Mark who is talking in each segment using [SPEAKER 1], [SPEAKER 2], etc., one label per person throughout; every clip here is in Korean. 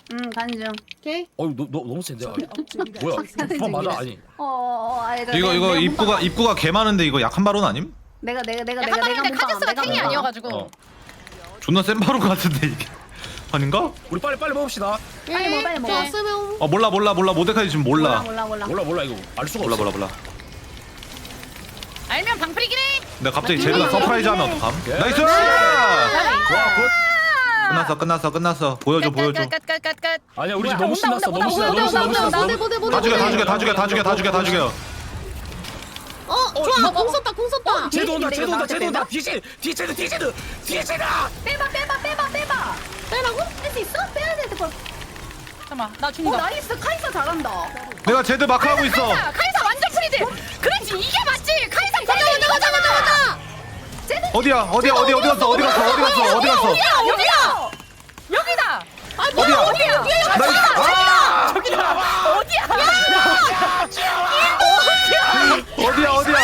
[SPEAKER 1] 가는 중. 오케이.
[SPEAKER 2] 너 너무 센데. 뭐야? 어 맞아 아니.
[SPEAKER 3] 이거 입구가 개 많은데 이거 약한 바론 아님?
[SPEAKER 1] 내가
[SPEAKER 4] 약간 말인데 카제스가 탱이 아니어가지고.
[SPEAKER 3] 존나 센 바론 같은데 이게 아닌가?
[SPEAKER 2] 우리 빨리 먹읍시다.
[SPEAKER 1] 빨리 먹어.
[SPEAKER 3] 몰라 모데카이 지금 몰라
[SPEAKER 2] 몰라 이거 알 수가 없어.
[SPEAKER 3] 몰라.
[SPEAKER 4] 알면 방풀이긴 해.
[SPEAKER 3] 근데 갑자기 제드가 서프라이즈 하면 어떡함? 나이스! 끝났어. 보여줘.
[SPEAKER 4] 끝.
[SPEAKER 2] 아니야 우리 지금 너무 신났어. 너무 신났어.
[SPEAKER 3] 다 죽여.
[SPEAKER 1] 좋아. 공 썼다.
[SPEAKER 2] 쟤도 온다. 뒤에 쟤도.
[SPEAKER 1] 빼봐. 빼라고? 할 수 있어? 빼야 돼.
[SPEAKER 4] 잠깐만 나 죽는다.
[SPEAKER 1] 나이스. 카이사 잘한다.
[SPEAKER 3] 내가 제드 마크 하고 있어.
[SPEAKER 4] 카이사 완전 프리딜. 그렇지 이게 맞지. 카이사
[SPEAKER 1] 가자.
[SPEAKER 3] 어디야? 어디 갔어?
[SPEAKER 4] 여기다.
[SPEAKER 3] 어디야? 나이스. 어디야?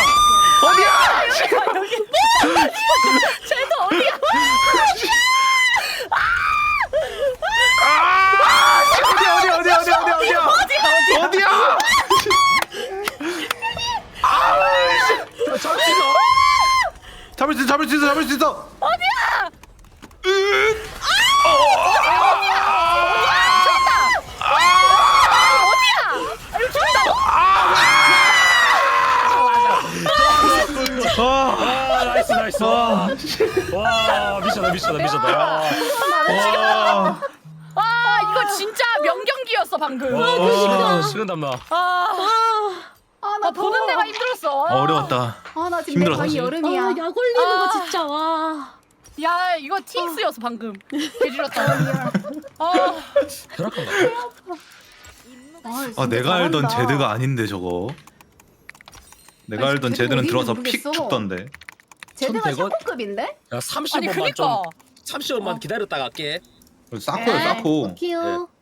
[SPEAKER 4] 쟤도 어디야?
[SPEAKER 3] 어디야? 잡을 수 있어.
[SPEAKER 4] 어디야?
[SPEAKER 2] 나이스. 와 미쳤다.
[SPEAKER 4] 이거 진짜 명경기였어 방금.
[SPEAKER 2] 식은땀 나.
[SPEAKER 4] 나 보는 데가 힘들었어.
[SPEAKER 3] 어려웠다.
[SPEAKER 1] 나 지금
[SPEAKER 3] 힘들었어.
[SPEAKER 1] 거의 여름이야.
[SPEAKER 5] 약 올리는 거 진짜 와.
[SPEAKER 4] 야 이거 팅스였어 방금. 개지렸다.
[SPEAKER 2] 혈압한가?
[SPEAKER 3] 내가 알던 제드가 아닌데 저거. 내가 알던
[SPEAKER 1] 제드
[SPEAKER 3] 제드는
[SPEAKER 1] 어디인지
[SPEAKER 3] 들어서
[SPEAKER 1] 모르겠어.
[SPEAKER 3] 픽 죽던데.
[SPEAKER 1] 제대가
[SPEAKER 2] 1100원?
[SPEAKER 1] 샤코급인데?
[SPEAKER 2] 야
[SPEAKER 4] 아니
[SPEAKER 2] 30원만
[SPEAKER 4] 그니까.
[SPEAKER 2] 좀 30원만 기다렸다 갈게.
[SPEAKER 3] 싸코야 싸코.
[SPEAKER 1] 키우.